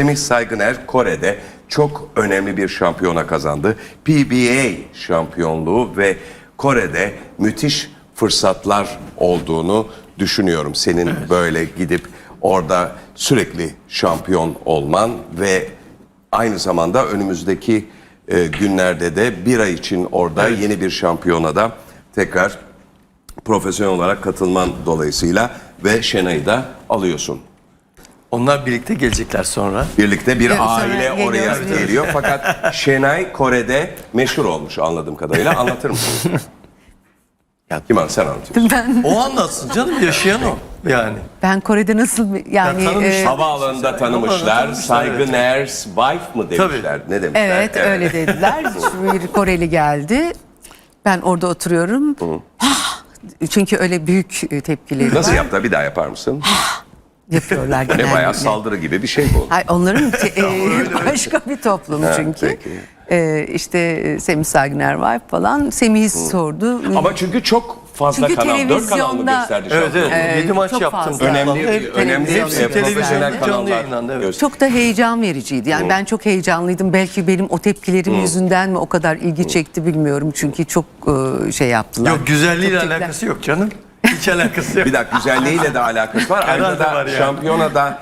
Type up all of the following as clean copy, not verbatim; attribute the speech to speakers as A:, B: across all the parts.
A: Semih Saygıner Kore'de çok önemli bir şampiyona kazandı. PBA şampiyonluğu ve Kore'de müthiş fırsatlar olduğunu düşünüyorum. Senin böyle gidip orada sürekli şampiyon olman ve aynı zamanda önümüzdeki günlerde de bir ay için orada yeni bir şampiyonada tekrar profesyonel olarak katılman dolayısıyla ve Şenay'ı da alıyorsun.
B: Onlar birlikte gelecekler sonra.
A: Birlikte bir
C: Evet,
A: aile
C: sonra
A: oraya
C: geliyoruz.
A: geliyor. Fakat Şenay Kore'de meşhur olmuş anladığım kadarıyla. Anlatır mısın? Kim sen anlatıyorsun.
B: O anlatsın canım, yaşayan o. Yani.
C: Ben Kore'de nasıl yani
B: Ya tanımış-
A: Havaalanında tanımışlar. Saygıner's wife mı demişler? Ne demişler?
C: evet öyle dediler. Bir Koreli geldi. Ben orada oturuyorum. Çünkü öyle büyük tepkileri
A: Nasıl
C: var.
A: yaptı? Bir daha yapar mısın?
C: Yapıyorlar
A: Ne
C: genellikle.
A: bayağı saldırı gibi bir şey bu.
C: Hayır, onların başka bir toplum çünkü.
A: peki.
C: İşte Semih Saygıner var falan. Semih'i sordu.
A: Ama çünkü çok fazla
C: Çünkü
A: kanal, 4 kanal mı
C: televizyonda-
A: gösterdi
B: Evet,
A: şampiyonu?
B: evet. 7 maç
C: çok
B: yaptım.
C: fazla.
A: Önemli
C: Hepsi
A: profesyonel
B: televizyonda canlı yayınlandı,
A: kanallar
B: evet.
A: gösterdi.
C: Çok da heyecan vericiydi. Yani ben çok heyecanlıydım. Belki benim o tepkilerim yüzünden mi o kadar ilgi çekti bilmiyorum. Çünkü çok şey yaptılar.
B: Yok, güzelliğiyle
C: Çok tepkiler-
B: alakası yok canım. Hiç alakası yok.
A: Bir dakika, güzelliğiyle de alakası var. Ayrıca
B: Herhalde var
A: da
B: yani.
A: şampiyonada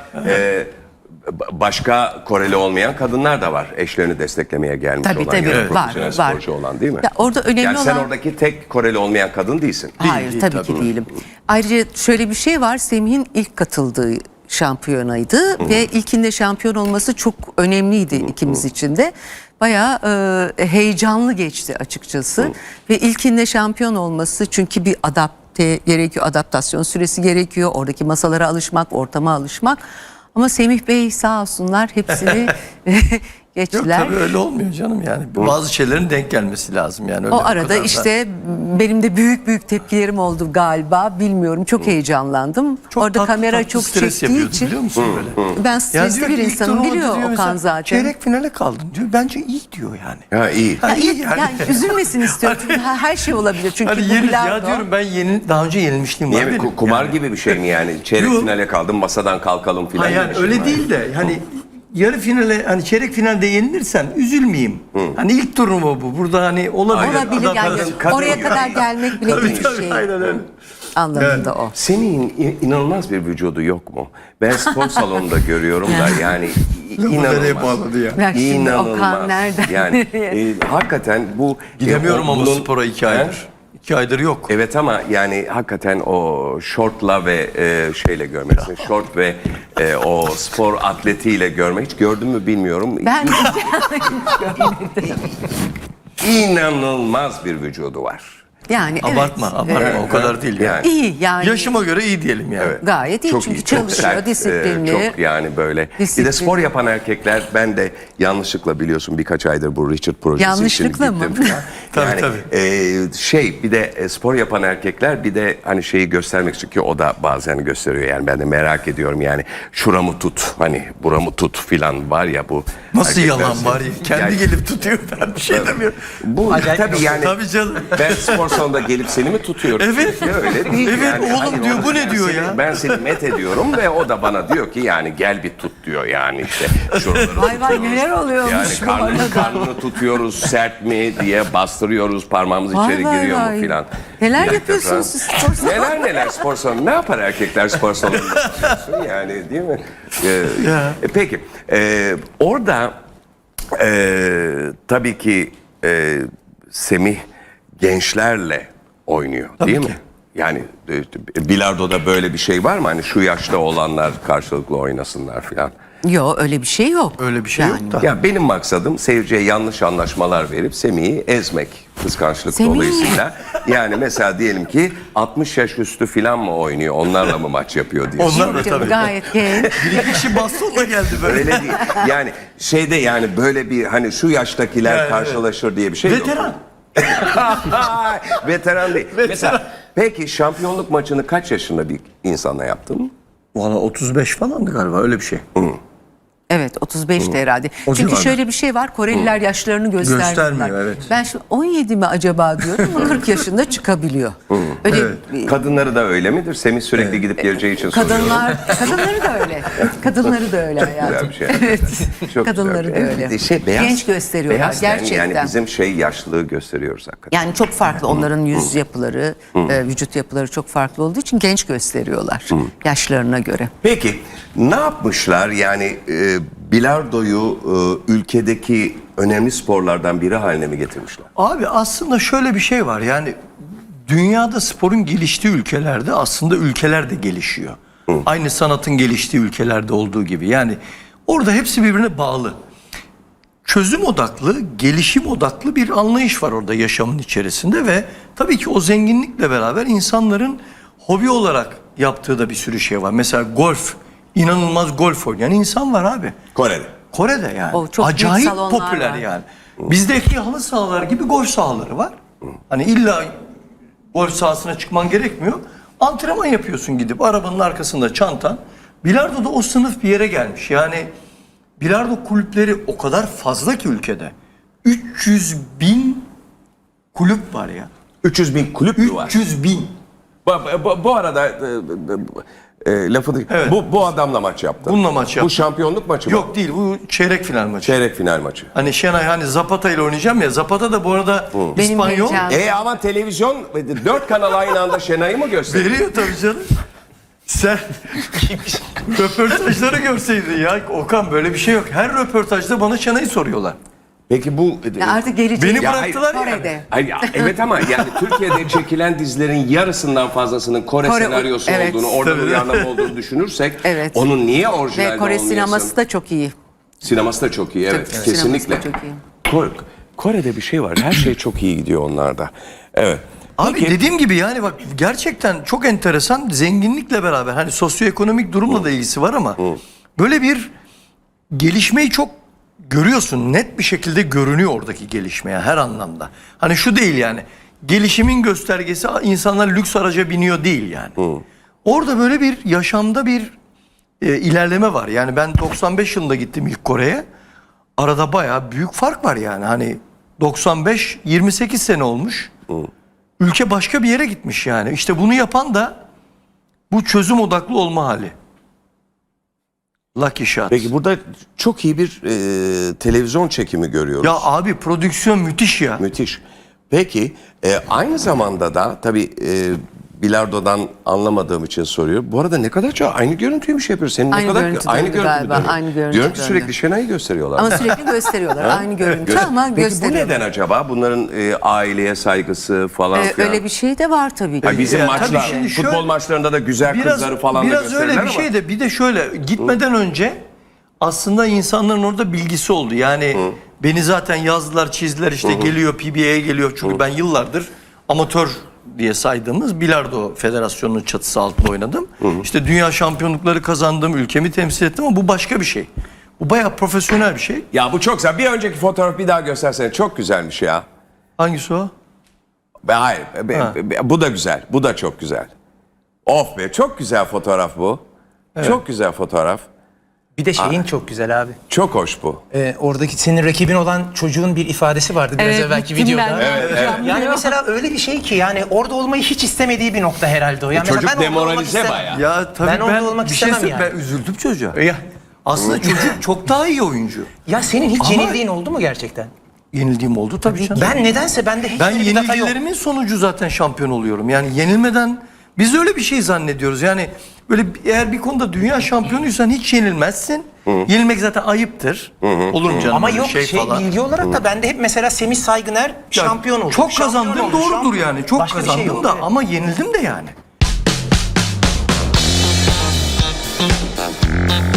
A: başka Koreli olmayan kadınlar da var. Eşlerini desteklemeye gelmiş
C: Tabii,
A: olan
C: tabii.
A: ya da
C: Evet.
A: profesyonel
C: Var.
A: sporcu olan değil mi?
C: Ya orada önemli
A: Yani sen
C: olan-
A: oradaki tek Koreli olmayan kadın değilsin.
C: Hayır
B: değil,
C: tabii
B: tabii.
C: ki değilim. Ayrıca şöyle bir şey var. Semih'in ilk katıldığı şampiyonaydı ve ilkinde şampiyon olması çok önemliydi ikimiz için de. Bayağı heyecanlı geçti açıkçası. Ve ilkinde şampiyon olması çünkü bir gerekiyor, adaptasyon süresi gerekiyor. Oradaki masalara alışmak, ortama alışmak. Ama Semih Bey sağ olsunlar hepsini
B: Yok
C: geçtiler.
B: tabii öyle olmuyor canım yani. Bazı şeylerin denk gelmesi lazım yani. Öyle
C: O
B: bu
C: arada
B: kadar da-
C: işte benim de büyük tepkilerim oldu galiba. Bilmiyorum, çok heyecanlandım.
B: Çok
C: Orada
B: tatlı
C: kamera
B: tatlı
C: çok
B: stres
C: çektiği
B: yapıyordu,
C: için
B: biliyor musun böyle?
C: ben
B: Ya
C: stresli
B: diyor
C: bir
B: ki ilk
C: insanım,
B: turnuva
C: biliyor
B: diyor
C: Okan
B: mesela,
C: zaten.
B: Çeyrek finale kaldın diyor. Bence iyi diyor yani.
A: Ha iyi.
C: Ya,
B: iyi
C: yani üzülmesin istiyorum çünkü her şey olabilir. Çünkü
B: Hani
C: bu
B: ya
C: bilardo.
B: diyorum ben daha önce yenilmişliğim var
A: Niye mi?
B: benim.
A: Kumar
B: Yani.
A: gibi bir şey mi yani? Çeyrek
B: Yok.
A: finale kaldım, masadan kalkalım filan.
B: Ha
A: gibi
B: yani
A: bir şey
B: öyle
A: mi?
B: değil de hani yarı finale, hani çeyrek finalde yenilirsen üzülmeyeyim. Hani ilk turnuva bu. Burada hani olabilir.
C: Olabilir
B: Adam
C: yani.
B: kadın-
C: Oraya kadar gelmek bile
B: Tabii
C: iyi bir
B: tabii,
C: şey
B: aynen öyle.
C: anlamında o.
A: Senin inanılmaz bir vücudu yok mu? Ben spor salonunda görüyorum da yani
B: nereye bağladı ya?
C: Bak şimdi
A: İnanılmaz.
C: Okan nereden
A: Yani
C: nereye?
A: hakikaten bu
B: Gidemiyorum ama
A: bunun-
B: spora 2
A: He?
B: aydır. 2 aydır yok.
A: Evet ama yani hakikaten o şortla ve şeyle görmeksin. Şort ve o spor atletiyle görmek. Hiç gördün mü bilmiyorum.
C: Ben
A: İnanılmaz bir vücudu var.
C: yani evet.
B: Abartma o kadar değil yani.
A: Yani.
C: İyi yani.
B: Yaşıma göre iyi diyelim yani.
A: Evet.
C: Gayet iyi çünkü
A: çok
C: çalışıyor,
A: sert,
C: disiplinli.
A: çok yani böyle. Bir de
C: Disiplinli.
A: spor yapan erkekler, ben de yanlışlıkla biliyorsun birkaç aydır bu Richard projesi
C: Yanlışlıkla
A: için
C: mı?
A: gittim falan.
B: Tabii,
A: yani,
B: tabii.
A: bir de spor yapan erkekler bir de hani şeyi göstermek için ki o da bazen gösteriyor yani ben de merak ediyorum yani şuramı tut hani buramı tut filan var ya bu.
B: Nasıl
A: erkekler-
B: yalan var ya? Kendi
A: Yani
B: gelip tutuyor, ben bir şey demiyorum.
A: bu tabii yani
B: Tabii canım.
A: ben spor salonunda gelip seni mi tutuyorum?
B: Evet.
A: Öyle değil
B: Evet,
A: yani.
B: oğlum
A: Hayır,
B: diyor,
A: onu-
B: bu ne
A: ben
B: diyor
A: seni-
B: ya?
A: Ben seni met ediyorum ve o da bana diyor ki yani gel bir tut diyor yani işte. Şuraları
C: Vay vay neler oluyormuş
A: yani
C: bu arada.
A: karnını tutuyoruz sert mi diye bastırıyoruz parmağımız
C: Vay
A: içeri
C: vay
A: giriyor
C: vay.
A: mu filan.
C: Neler
A: Bir dakika
C: yapıyorsunuz
A: falan.
C: siz spor salonunda?
A: Neler spor salonu ne yapar erkekler spor salonunda yapıyorsun yani değil mi? Peki orada tabii ki Semih gençlerle oynuyor değil mi? Yani bilardoda böyle bir şey var mı? Hani şu yaşta olanlar karşılıklı oynasınlar filan.
C: Yok öyle bir şey yok.
B: Öyle bir şey yok da.
A: Ya benim maksadım seyirciye yanlış anlaşmalar verip Semih'i ezmek kıskançlık
C: Semih.
A: dolayısıyla. Yani mesela diyelim ki 60 yaş üstü filan mı oynuyor? Onlarla mı maç yapıyor diye.
B: Onlar da
C: Canım,
B: tabii.
C: gayet genç.
B: Bir iki kişi bastonla geldi böyle.
A: Öyle değil. Yani şeyde yani böyle bir hani şu yaştakiler
B: Yani,
A: karşılaşır diye bir şey yok.
B: Veteran.
A: Veteran değil. Mesela peki şampiyonluk maçını kaç yaşında bir insanla yaptın?
B: Valla 35 falandı galiba, öyle bir şey.
C: Evet 35'ti herhalde.
B: O
C: Çünkü
B: civarda.
C: şöyle bir şey var. Koreliler yaşlarını göstermiyorlar.
B: Göstermiyor, evet.
C: Ben şimdi 17 mi acaba diyorum ama 40 yaşında çıkabiliyor. Öyle
A: Kadınları da öyle midir? Semih sürekli gidip geleceği için soruyorum.
C: kadınları da öyle. Kadınları da öyle hayatım.
A: Güzel bir şey.
C: Evet.
A: Çok
C: Kadınları
A: güzel.
C: da öyle.
A: Beyaz,
C: Genç gösteriyorlar
A: beyaz ten,
C: gerçekten.
A: Yani bizim yaşlılığı gösteriyoruz hakikaten.
C: Yani çok farklı onların yüz yapıları, vücut yapıları çok farklı olduğu için genç gösteriyorlar yaşlarına göre.
A: Peki ne yapmışlar? Yani bilardoyu ülkedeki önemli sporlardan biri haline mi getirmişler?
B: Abi aslında şöyle bir şey var, yani dünyada sporun geliştiği ülkelerde aslında ülkeler de gelişiyor. Aynı sanatın geliştiği ülkelerde olduğu gibi. Yani orada hepsi birbirine bağlı. Çözüm odaklı, gelişim odaklı bir anlayış var orada yaşamın içerisinde ve tabii ki o zenginlikle beraber insanların hobi olarak yaptığı da bir sürü şey var. Mesela golf, inanılmaz golf oynayan insan var abi. Kore'de yani.
C: O çok büyük
B: acayip
C: salonlar
B: popüler
C: var.
B: yani. Bizdeki halı sahalar gibi golf sahaları var. Hani illa golf sahasına çıkman gerekmiyor. Antrenman yapıyorsun gidip arabanın arkasında çantan. Bilardo da o sınıf bir yere gelmiş. Yani bilardo kulüpleri o kadar fazla ki ülkede. 300.000 kulüp var ya.
A: 300.000 kulüp mü var?
B: 300.000.
A: Bu arada lafı
B: Evet.
A: bu adamla maç yaptın.
B: Bununla maç
A: Bu
B: yaptım.
A: şampiyonluk maçı mı?
B: Yok değil, bu çeyrek final maçı.
A: Çeyrek final maçı.
B: Hani Şenay hani Zapata ile oynayacağım ya. Zapata da bu arada
C: Benim
B: İspanyol.
C: heyecanım.
A: Ama televizyon 4 kanal aynı anda Şenay'ı mı gösteriyor?
B: Veriyor tabii canım. Sen röportajları görseydin ya. Okan böyle bir şey yok. Her röportajda bana Şenay'ı soruyorlar.
A: Peki bu...
C: Ya artık gelecek.
B: Beni
A: Ya
B: bıraktılar yani.
C: Kore'de.
A: Hayır, evet ama yani Türkiye'de çekilen dizilerin yarısından fazlasının Kore senaryosu
C: evet.
A: olduğunu, oradan
B: Tabii.
A: uyarlama olduğunu düşünürsek
C: Evet.
A: onun niye orijinalde
C: Ve Kore
A: olmayasın?
C: sineması da çok iyi.
A: Sineması da çok iyi, evet.
C: Tabii,
A: Kesinlikle.
C: sineması da çok iyi.
A: Kore'de bir şey var. Her şey çok iyi gidiyor onlarda. Evet.
B: Abi dediğim gibi yani bak gerçekten çok enteresan, zenginlikle beraber hani sosyoekonomik durumla da ilgisi var ama böyle bir gelişmeyi çok görüyorsun. Net bir şekilde görünüyor oradaki gelişmeye her anlamda. Hani şu değil yani. Gelişimin göstergesi insanlar lüks araca biniyor değil yani. Orada böyle bir yaşamda bir ilerleme var. Yani ben 95 yılında gittim ilk Kore'ye. Arada bayağı büyük fark var yani. Hani 95 28 sene olmuş. Ülke başka bir yere gitmiş yani. İşte bunu yapan da bu çözüm odaklı olma hali. Lucky Shot.
A: Peki burada çok iyi bir televizyon çekimi görüyoruz.
B: Ya abi prodüksiyon müthiş ya.
A: Müthiş. Peki aynı zamanda da tabii bilardodan anlamadığım için soruyorum. Bu arada ne kadar çok aynı görüntüyü mü şey yapıyor? Senin
C: Aynı
A: ne kadar
C: görüntü
A: aynı
C: döndü
A: görüntü
C: galiba,
A: dönüyor.
C: aynı görüntü
A: Diyorum ki
C: döndü.
A: sürekli Şenay'ı gösteriyorlar.
C: Ama sürekli gösteriyorlar. Aynı görüntü ama
A: Peki bu
C: gösteriyorlar.
A: neden acaba? Bunların aileye saygısı falan filan.
C: Öyle bir şey de var tabii ki.
A: Ay bizim
B: Ya,
A: maçlar,
B: tabii şimdi
A: futbol
B: şöyle-
A: maçlarında da güzel kızları falan da
B: biraz
A: gösterirler
B: öyle
A: ama.
B: bir şey de bir de şöyle gitmeden önce aslında insanların orada bilgisi oldu. Yani beni zaten yazdılar, çizdiler işte geliyor PBA'ye geliyor. Çünkü ben yıllardır amatör diye saydığımız Bilardo Federasyonu'nun çatısı altında oynadım. İşte dünya şampiyonlukları kazandım, ülkemi temsil ettim ama bu başka bir şey. Bu bayağı profesyonel bir şey.
A: Ya bu çok güzel. Bir önceki fotoğrafı bir daha göstersene. Çok güzelmiş ya.
B: Hangisi o?
A: Hayır. Bu da güzel. Bu da çok güzel. Of be. Çok güzel fotoğraf bu. Çok güzel fotoğraf.
D: Bir de şeyin çok güzel abi.
A: Çok hoş bu.
D: Oradaki senin rakibin olan çocuğun bir ifadesi vardı biraz evvelki
C: gittim
D: videoda.
C: ben.
D: Yani mesela öyle bir şey ki yani orada olmayı hiç istemediği bir nokta herhalde o. Yani
A: Çocuk
D: mesela ben orada olmak
A: demoralize
D: istemem.
A: bayağı.
B: Ya tabii
D: Ben orada olmak
B: bir şey
D: istemem
B: söyleyeyim,
D: yani.
B: ben üzüldüm çocuğa.
D: Ya,
B: Aslında çocuk çok daha iyi oyuncu.
D: ya senin hiç
B: Ama-
D: yenildiğin oldu mu gerçekten?
B: Yenildiğim oldu tabii canım.
D: Ben nedense bende hiç
B: Ben
D: öyle bir data yok.
B: yenilgilerimin sonucu zaten şampiyon oluyorum. Yani yenilmeden biz öyle bir şey zannediyoruz. Yani böyle eğer bir konuda dünya şampiyonuysan hiç yenilmezsin. Yenilmek zaten ayıptır. Olur mu canım?
D: Ama
B: böyle
D: yok
B: falan.
D: bilgi olarak da bende hep mesela Semih Saygıner
B: Ya,
D: şampiyon oldu.
B: Çok
D: Şampiyon
B: kazandım
D: oldu,
B: doğrudur
D: şampiyon
B: yani.
D: oldu.
B: Çok
D: Başka bir şey
B: kazandım
D: yok,
B: da
D: evet.
B: ama yenildim de yani.